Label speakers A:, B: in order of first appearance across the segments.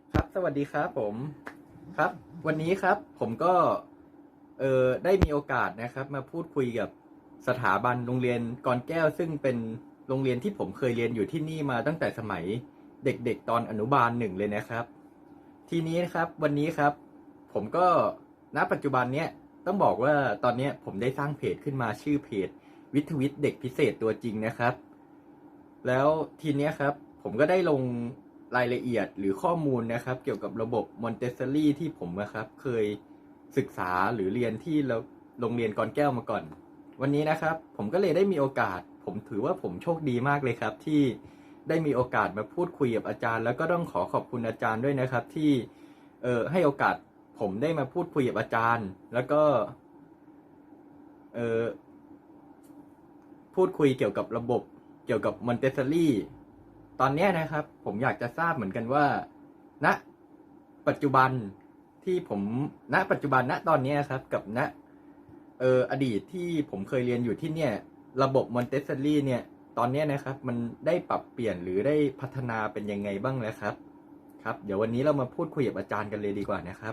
A: ครับสวัสดีครับผมครับวันนี้ครับผมก็ได้มีโอกาสนะครับมาพูดคุยกับสถาบันโรงเรียนกรแก้วซึ่งเป็นโรงเรียนที่ผมเคยเรียนอยู่ที่นี่มาตั้งแต่สมัยเด็กๆตอนอนุบาลหนึ่งเลยนะครับทีนี้นะครับวันนี้ครับผมก็ณปัจจุบันเนี้ยต้องบอกว่าตอนนี้ผมได้สร้างเพจขึ้นมาชื่อเพจวิทย์วิทย์เด็กพิเศษตัวจริงนะครับ แล้วทีเนี้ยครับผมก็ได้ลงรายละเอียดหรือข้อมูลนะครับเกี่ยวกับระบบมอนเตสซอรี่ที่ผมนะครับเคยศึกษาหรือเรียนที่โรงเรียนกรแก้วมาก่อนวันนี้นะครับผมก็เลยได้มีโอกาสผมถือว่าผมโชคดีมากเลยครับที่ได้มีโอกาสมาพูดคุยกับอาจารย์แล้วก็ต้องขอบคุณอาจารย์ด้วยนะครับที่ให้โอกาสผมได้มาพูดคุยกับอาจารย์แล้วก็เออ พูดคุยเกี่ยวกับระบบเกี่ยวกับมอนเตสซอรี่ตอนนี้นะครับผมอยากจะทราบเหมือนกันว่าณปัจจุบันที่ผมณปัจจุบันณตอนนี้ครับกับณอดีตที่ผมเคยเรียนอยู่ที่เนี่ยระบบมอนเตสซอรี่เนี่ยตอนนี้นะครับมันได้ปรับเปลี่ยนหรือได้พัฒนาเป็นยังไงบ้างแล้วครับครับเดี๋ยววันนี้เรามาพูดคุยกับอาจารย์กันเลยดีกว่านะครับ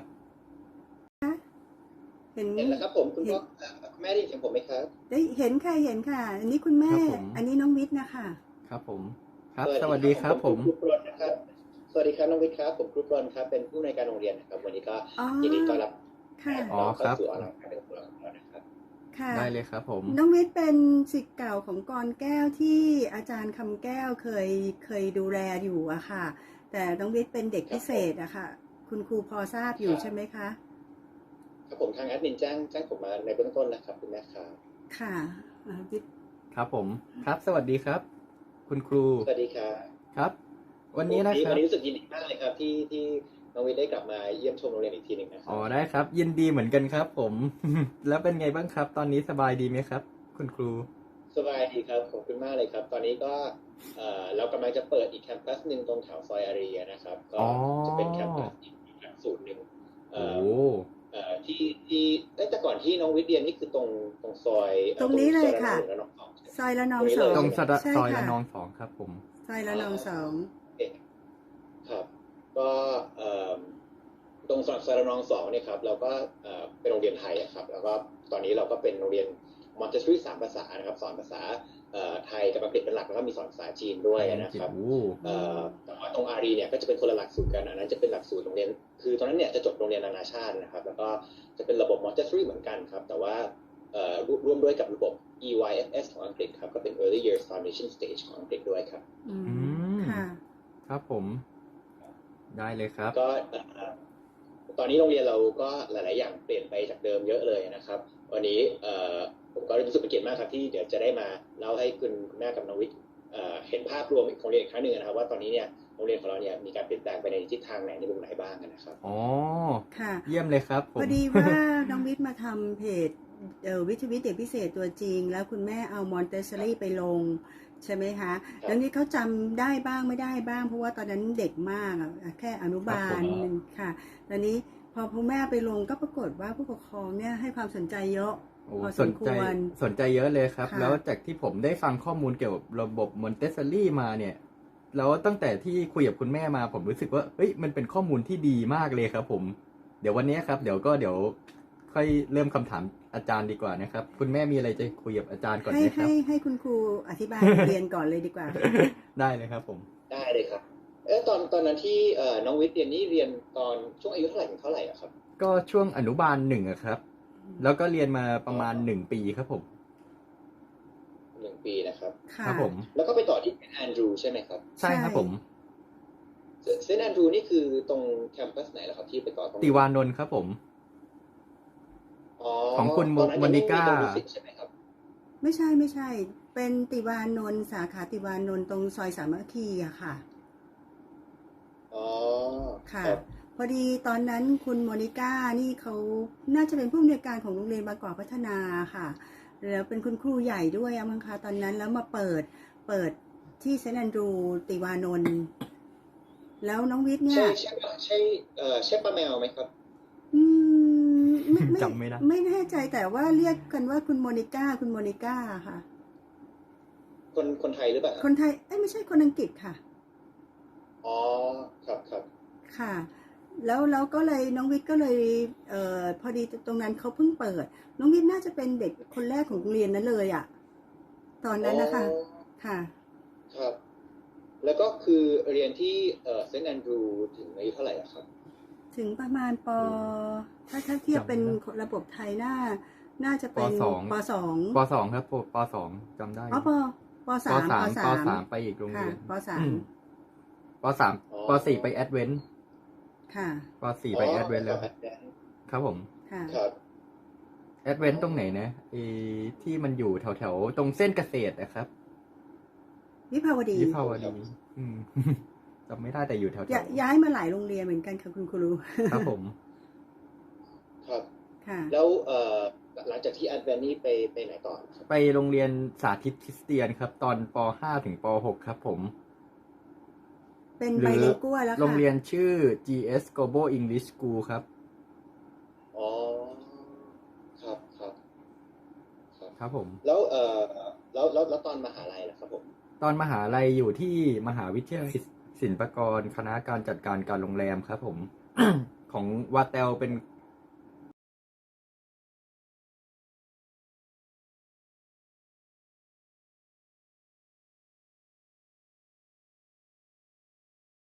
B: เห็น
C: เห็นแล้วครับผมคุณ
B: เห็
C: พ่อนแม่ได้ยินเสียงผมไหมครับ
B: ได้เห็นค่ะเห็นค่ะ อันนี้คุณแม่ อันนี้น้องวิทย์นะคะ
A: ครับผมครับสวัสดีครับผม
C: ครูปรนนะครับสวัสดีครับน้องวิทย์ครับผมครูปรนครับเป็นผู้อำนวยการโรงเรียนนะครับวันนี้ก็ยินดีต้อนรับ
B: ค่ะ
A: อ๋อครับ
C: เข้าสู่ออนไลน์การเรียนรู้ของเรานะครับ
B: ค่ะ
A: ได้เลยครับผม
B: น้องวิทย์เป็นศิษย์เก่าของกรแก้วที่อาจารย์คำแก้วเคยดูแลอยู่อะค่ะ แต่น้องวิทย์เป็นเด็กพิเศษอะค่ะคุณครูพอทราบอยู่ใช่ไหมคะ
C: ครับผมทางแอดมินแจ้งผมมาในเบื้องต้นนะครับคุณแม่ครับ
B: ค่ะวิทย์
A: ครับผมครับสวัสดีครับคุณครู
C: สวัสดีครับ
A: ครับวันนี้นะครับ
C: วันนี้รู้สึกยินดีมากเลยครับที่น้องวิทย์ได้กลับมาเยี่ยมชมโรงเรียนอีกทีหนึ่งนะครับ
A: อ๋อได้ครับยินดีเหมือนกันครับผม แล้วเป็นไงบ้างครับตอนนี้สบายดีไหมครับคุณครู
C: สบายดีครับขอบคุณมากเลยครับตอนนี้ก็เรากำลังจะเปิดอีกแคมปัสหนึ่งตรงแถวซอยอารีนะครับก็จะเป็นแคมปัสอีกหลักสูตรหนึ่ง
A: โอ้
C: ที่แต่ก่อนที่น้องวิทย์เรียนนี่คือตรงซอย
B: ตรงนี้เลยค่ะซอยละนองสอง
A: ตรง
B: ใช่
A: ซอยละ
B: ค่ะ
A: นองสองครับผม
B: ซอยละนองสอง
C: ครับก็ตรงซอยละนองสองเนี่ยครับเราก็เป็นโรงเรียนไทยครับแล้วก็ตอนนี้เราก็เป็นโรงเรียนมอนเตสซอรี่3 ภาษานะครับสอนภาษาไทยกับอังกฤษเป็นหลักแล้วก็มีสอนภาษาจีนด้วยนะครับแต่ว่าตรงอารีเนี่ยก็จะเป็นคนละหลักสูตรกันอันนั้นจะเป็นหลักสูตรโรงเรียนคือตอนนั้นเนี่ยจะจบโรงเรียนนานาชาตินะครับแล้วก็จะเป็นระบบมอนเตสซอรี่เหมือนกันครับแต่ว่าร่วมด้วยกับระบบ EYFS ของอังกฤษครับก็เป็น Early Years Foundation Stage ของอังกฤษด้วยครับ
B: ค่ะ
A: ครับผมได้เลยครับ
C: ก็ตอนนี้โรงเรียนเราก็หลายๆอย่างเปลี่ยนไปจากเดิมเยอะเลยนะครับวันนี้ผมก็รู้สึกเป็นเกียรติมากครับที่เดี๋ยวจะได้มาเล่าให้คุณแม่กับน้องวิทย์เห็นภาพรวมของโรงเรียนอีกครั้งหนึ่งนะครับว่าตอนนี้เนี่ยโรงเรียนของเราเนี่ยมีการเปลี่ยนแปลงไปในทิศทางไหนในมุมไหนบ้างนะครับ
A: อ๋อ
B: ค่ะ
A: เยี่ยมเลยครับผม
B: พอดีว่าน้องวิทย์มาทำเพจวิทย์วิทย์เด็กพิเศษตัวจริงแล้วคุณแม่เอามอนเตสซอรี่ไปลงใช่ไหมคะแล้วนี่เขาจำได้บ้างไม่ได้บ้างเพราะว่าตอนนั้นเด็กมากแค่อนุบาลค่ะตอนนี้พอพ่อแม่ไปลงก็ปรากฏว่าผู้ปกครองเนี่ยให้ความสนใจเยอะพอสมควร
A: สนใจเยอะเลยครับแล้วจากที่ผมได้ฟังข้อมูลเกี่ยวกับระบบมอนเตสซอรี่มาเนี่ยแล้วตั้งแต่ที่คุยกับคุณแม่มาผมรู้สึกว่าเฮ้ยมันเป็นข้อมูลที่ดีมากเลยครับผมเดี๋ยววันนี้ครับเดี๋ยวค่อยเริ่มคำถามอาจารย์ดีกว่านะครับคุณแม่มีอะไรจะคุยกับอาจารย์ก่อนไหมครับ
B: ให้คุณครูอธิบายเรียนก่อนเลยดีกว่า
A: ได้เลยครับผม
C: ได้เลยครับตอนนั้นที่น้องวิทย์เรียนนี่เรียนตอนช่วงอายุเท่าไหร่ถึงเท่าไหร่ครับ
A: ก็ช่วงอนุบาล1ครับแล้วก็เรียนมาประมาณ1 ปีครับผม
C: 1 ปีนะครับ
A: ครับผม
C: แล้วก็ไปต่อที่เซนต์แอนดรูใช่ไหมครับ
A: ใช่ครับผม
C: เซนต์แอนดรูนี่คือตรงแคมปัสไหนล่ะครับที่ไปต่อตรง
A: ติวานนท์ครับผมของคุณโมนิก้า
B: ไม่ใช่เป็นติวานนท์สาขาติวานนท์ตรงซอยสามัคคีอะค่ะค่ะพอดีตอนนั้นคุณโมนิก้านี่เขาน่าจะเป็นผู้อำนวยการของโรงเรียนบางกอกพัฒนาค่ะแล้วเป็นคุณครูใหญ่ด้วยมั้งคะตอนนั้นแล้วมาเปิดที่เซนต์แอนดรูติวานนท์แล้วน้องวิทย์เนี่ย
C: ใช่ป้าแมวไหมครับ
A: จำไม่ได้
B: ไม่แน่ใจแต่ว่าเรียกกันว่าคุณโมนิก้าค่ะ
C: คนไทยหรือเปล่า
B: คนไทยไม่ใช่คนอังกฤษค่ะ
C: อ๋อครับ
B: ค่ะ แล้วก็เลยน้องวิทย์ก็เลยพอดีตรงนั้นเขาเพิ่งเปิด น้องวิทย์น่าจะเป็นเด็กคนแรกของโรงเรียนนั้นเลยอ่ะตอนนั้นนะคะค่ะ
C: ครับ แล้วก็คือเรียนที่เซนต์แอนดรูถึงอายุเท่าไหร่อะครับ
B: ถึงประมาณถ้าเทียบเป็นระบบไทยน่าจะเป็นปสอง
A: ปสองครับปสองจำได้
B: อ๋อปสาม
A: ปสามไปอีกโรง
B: ค่ะ
A: เรียน
B: ปสาม
A: ปสามปสี่ไปแอดเวนต์
B: ค่ะ
A: ปสี่ไปแอดเวนต์แล้ว ครับผม
B: ค่ะ
C: ครับ
A: แอดเวนต์ตรงไหนนะที่มันอยู่แถวตรงเส้นเกษตรนะครับ
B: วิภาวดี
A: วิภาวดีจำไม่ได้แต่อยู่แถว
B: ย้ายมาหลายโรงเรียนเหมือนกันค่ะคุณครู
A: ครับผม
C: ครับ
B: ค่ะ
C: แล้วหลังจากที่แอดแวนนี่ไปไหนต่อครับ
A: ไปโรงเรียนสาธิตคริสเตียนครับ ตอนป .5 ถึงป .6 ครับผม
B: เป็นไบลิงกัวแล้วค่ะ
A: โรงเรียนชื่อ GS Global English School ครับ
C: อ๋อครับครับ
A: ครับผม
C: แล้วแล้วตอนมหาลัยล่ะครับผม
A: ตอนมหาลัยอยู่ที่มหาวิทยาลัยศิลปากรคณะการจัดการการโรงแรมครับผม ของวาเตลเป็น